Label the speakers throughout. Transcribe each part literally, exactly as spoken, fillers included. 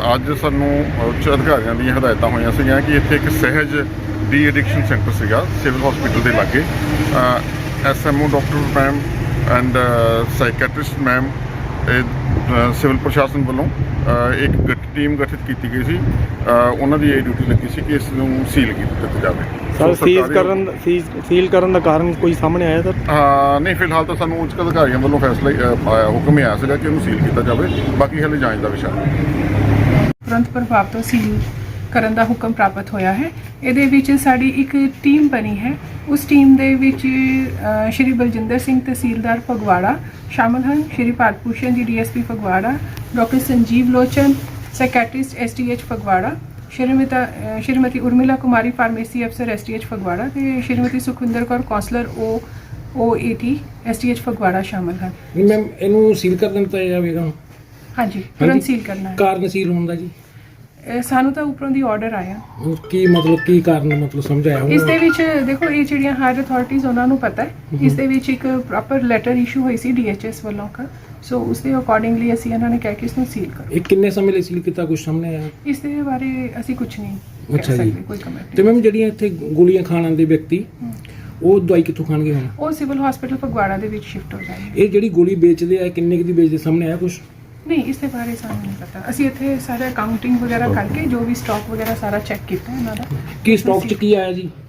Speaker 1: ਅੱਜ ਸਾਨੂੰ ਉੱਚ ਅਧਿਕਾਰੀਆਂ ਦੀਆਂ ਹਦਾਇਤਾਂ ਹੋਈਆਂ ਸੀਗੀਆਂ ਕਿ ਇੱਥੇ ਇੱਕ ਸਹਿਜ ਡੀ ਐਡਿਕਸ਼ਨ ਸੈਂਟਰ ਸੀਗਾ ਸਿਵਲ ਹਸਪੀਟਲ ਦੇ ਲਾਗੇ। S M O doctor ma'am and psychiatrist ma'am civil ਪ੍ਰਸ਼ਾਸਨ ਵੱਲੋਂ ਇੱਕ ਗਠ ਟੀਮ ਗਠਿਤ ਕੀਤੀ ਗਈ ਸੀ। ਉਹਨਾਂ ਦੀ ਇਹ ਡਿਊਟੀ ਲੱਗੀ ਸੀ ਕਿ ਇਸ ਨੂੰ ਸੀਲ ਕੀਤਾ ਜਾਵੇ।
Speaker 2: ਸਰ ਸੀਲ ਕਰਨ ਸੀਲ ਕਰਨ ਦਾ ਕਾਰਨ ਕੋਈ ਸਾਹਮਣੇ ਆਇਆ ਸਰ?
Speaker 1: ਹਾਂ ਨਹੀਂ, ਫਿਲਹਾਲ ਤਾਂ ਸਾਨੂੰ ਉੱਚ ਅਧਿਕਾਰੀਆਂ ਵੱਲੋਂ ਫੈਸਲਾ ਆਇਆ, ਹੁਕਮ ਹੀ ਆਇਆ ਸੀਗਾ ਕਿ ਇਹਨੂੰ ਸੀਲ ਕੀਤਾ ਜਾਵੇ। ਬਾਕੀ ਹਾਲੇ ਜਾਂਚ ਦਾ ਵਿਸ਼ਾ ਹੈ।
Speaker 3: ਤੁਰੰਤ ਪ੍ਰਭਾਵ ਤੋਂ ਸੀਲ ਕਰਨ ਦਾ ਹੁਕਮ ਪ੍ਰਾਪਤ ਹੋਇਆ ਹੈ। ਇਹਦੇ ਵਿੱਚ ਸਾਡੀ ਇੱਕ ਟੀਮ ਬਣੀ ਹੈ। ਉਸ ਟੀਮ ਦੇ ਵਿੱਚ ਸ਼੍ਰੀ ਬਲਜਿੰਦਰ ਸਿੰਘ ਤਹਿਸੀਲਦਾਰ ਫਗਵਾੜਾ ਸ਼ਾਮਲ ਹਨ, ਸ਼੍ਰੀ Bharat Bhushan ji D S P Phagwara, doctor Sanjeev Lochan psychiatrist S T H Phagwara, Shrimati Shrimati Urmila Kumari pharmacy ਅਫਸਰ ਐਸ ਟੀ ਐਚ ਫਗਵਾੜਾ ਤੇ Shrimati Sukhwinder Kaur counsellor O O A T S T H Phagwara ਸ਼ਾਮਲ ਹਨ।
Speaker 2: ਮੈਮ ਇਹਨੂੰ ਸੀਲ ਕਰ ਦਿੱਤਾ ਜਾਵੇਗਾ?
Speaker 3: ਹਾਂਜੀ, ਤੁਰੰਤ ਸੀਲ ਕਰਨਾ ਹੈ।
Speaker 2: ਕਾਰਨ ਸੀਲ ਹੋਣ ਦਾ ਜੀ?
Speaker 3: ਸਾਨੂੰ ਤਾਂ ਉੱਪਰੋਂ ਦੀ ਆਰਡਰ ਆਇਆ।
Speaker 2: ਕੀ ਮਤਲਬ ਕੀ ਕਾਰਨ ਮਤਲਬ ਸਮਝਾਇਆ?
Speaker 3: ਇਸ ਦੇ ਵਿੱਚ ਦੇਖੋ ਇਹ ਜਿਹੜੀਆਂ ਹਾਇਰ ਅਥਾਰਟੀਜ਼ ਉਹਨਾਂ ਨੂੰ ਪਤਾ ਹੈ। ਇਸ ਦੇ ਵਿੱਚ ਇੱਕ ਪ੍ਰੋਪਰ ਲੈਟਰ ਇਸ਼ੂ ਹੋਈ ਸੀ ਡੀ ਐਚ ਐਸ ਵੱਲੋਂ ਕਾ, ਸੋ ਉਸ ਦੇ ਅਕੋਰਡਿੰਗਲੀ ਅਸੀਂ ਇਹਨਾਂ ਨੇ ਕਿਹਾ ਕਿ ਇਸ ਨੂੰ ਸੀਲ ਕਰੋ।
Speaker 2: ਇਹ ਕਿੰਨੇ ਸਮੇਂ ਲਈ ਸੀਲ ਕੀਤਾ, ਕੁਝ ਸਾਹਮਣੇ ਆਇਆ?
Speaker 3: ਇਸ ਦੇ ਬਾਰੇ ਅਸੀਂ ਕੁਝ ਨਹੀਂ
Speaker 2: ਅੱਛਾ
Speaker 3: ਕਹਿ
Speaker 2: ਜੀ।
Speaker 3: ਸਕਦੇ, ਕੋਈ ਕਮੈਂਟ
Speaker 2: ਤੇ ਮੈਮ ਜਿਹੜੀਆਂ ਇੱਥੇ ਗੋਲੀਆਂ ਖਾਣ ਆਉਂਦੇ ਵਿਅਕਤੀ ਉਹ ਦਵਾਈ ਕਿੱਥੋਂ ਖਾਣਗੇ ਹੁਣ?
Speaker 3: ਉਹ ਸਿਵਲ ਹਸਪੀਟਲ ਫਗਵਾੜਾ ਦੇ ਵਿੱਚ ਸ਼ਿਫਟ ਹੋ ਜਾਣਗੇ।
Speaker 2: ਇਹ ਜਿਹੜੀ ਗੋਲੀ ਵੇਚਦੇ ਆ ਕਿੰਨੇ ਕੁ ਦੀ ਵੇਚਦੇ, ਸਾਹਮਣੇ ਆਇਆ ਕੁਝ?
Speaker 3: ਨਹੀਂ, ਇਸ ਦੇ ਬਾਰੇ ਸਾਨੂੰ ਨਹੀਂ ਪਤਾ। ਅਸੀਂ ਇੱਥੇ ਸਾਰਾ ਅਕਾਊਂਟਿੰਗ ਵਗੈਰਾ ਕਰਕੇ ਜੋ ਵੀ ਸਟਾਕ ਵਗੈਰਾ ਸਾਰਾ ਚੈੱਕ ਕੀਤਾ ਇਹਨਾਂ ਦਾ।
Speaker 2: ਕੀ ਸਟਾਕ 'ਚ ਕੀ ਆਇਆ ਜੀ?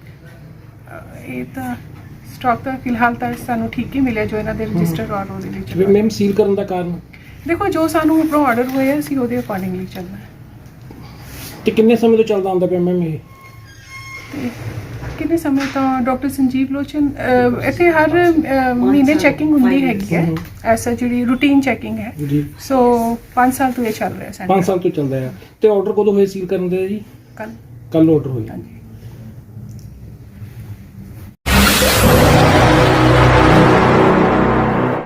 Speaker 3: ਇਹ ਤਾਂ ਸਟਾਕ ਤਾਂ ਫਿਲਹਾਲ ਤਾਂ ਸਾਨੂੰ ਠੀਕ ਹੀ ਮਿਲਿਆ ਜੋ ਇਹਨਾਂ ਦੇ ਰਜਿਸਟਰ ਔਰ ਉਹਦੇ ਵਿੱਚ।
Speaker 2: ਮੈਮ ਸੀਲ ਕਰਨ ਦਾ ਕਾਰਨ?
Speaker 3: ਦੇਖੋ ਜੋ ਸਾਨੂੰ ਉੱਪਰੋਂ ਆਰਡਰ ਹੋਇਆ ਅਸੀਂ ਉਹਦੇ ਅਕੋਰਡਿੰਗਲੀ ਚੱਲਣਾ ਹੈ।
Speaker 2: ਤੇ ਕਿੰਨੇ ਸਮੇਂ ਤੋਂ ਚੱਲਦਾ ਹੁੰਦਾ ਪਿਆ ਮੈਮ ਇਹ?
Speaker 3: ਤੇ ਕਿੰਨੇ ਸਮੇਂ ਤੋਂ ਡਾਕਟਰ ਸੰਜੀਵ ਲੋਚਨ ਇੱਥੇ ਹਰ ਮਹੀਨੇ ਚੈਕਿੰਗ ਹੁੰਦੀ ਹੈਗੀ ਹੈ, ਐਸਾ ਜਿਹੜੀ ਰੂਟੀਨ ਚੈਕਿੰਗ ਹੈ
Speaker 2: ਜੀ।
Speaker 3: ਸੋ ਪੰਜ ਸਾਲ ਤੋਂ ਇਹ ਚੱਲ ਰਿਹਾ ਸੈਂਟਰ।
Speaker 2: ਪੰਜ ਸਾਲ ਤੋਂ ਚੱਲਦਾ ਆ। ਤੇ ਆਰਡਰ ਕਦੋਂ ਹੋਏ ਸੀਲ ਕਰਨ ਦੇ ਜੀ?
Speaker 3: ਕੱਲ
Speaker 2: ਕੱਲ ਆਰਡਰ ਹੋਇਆ।
Speaker 3: ਹਾਂਜੀ।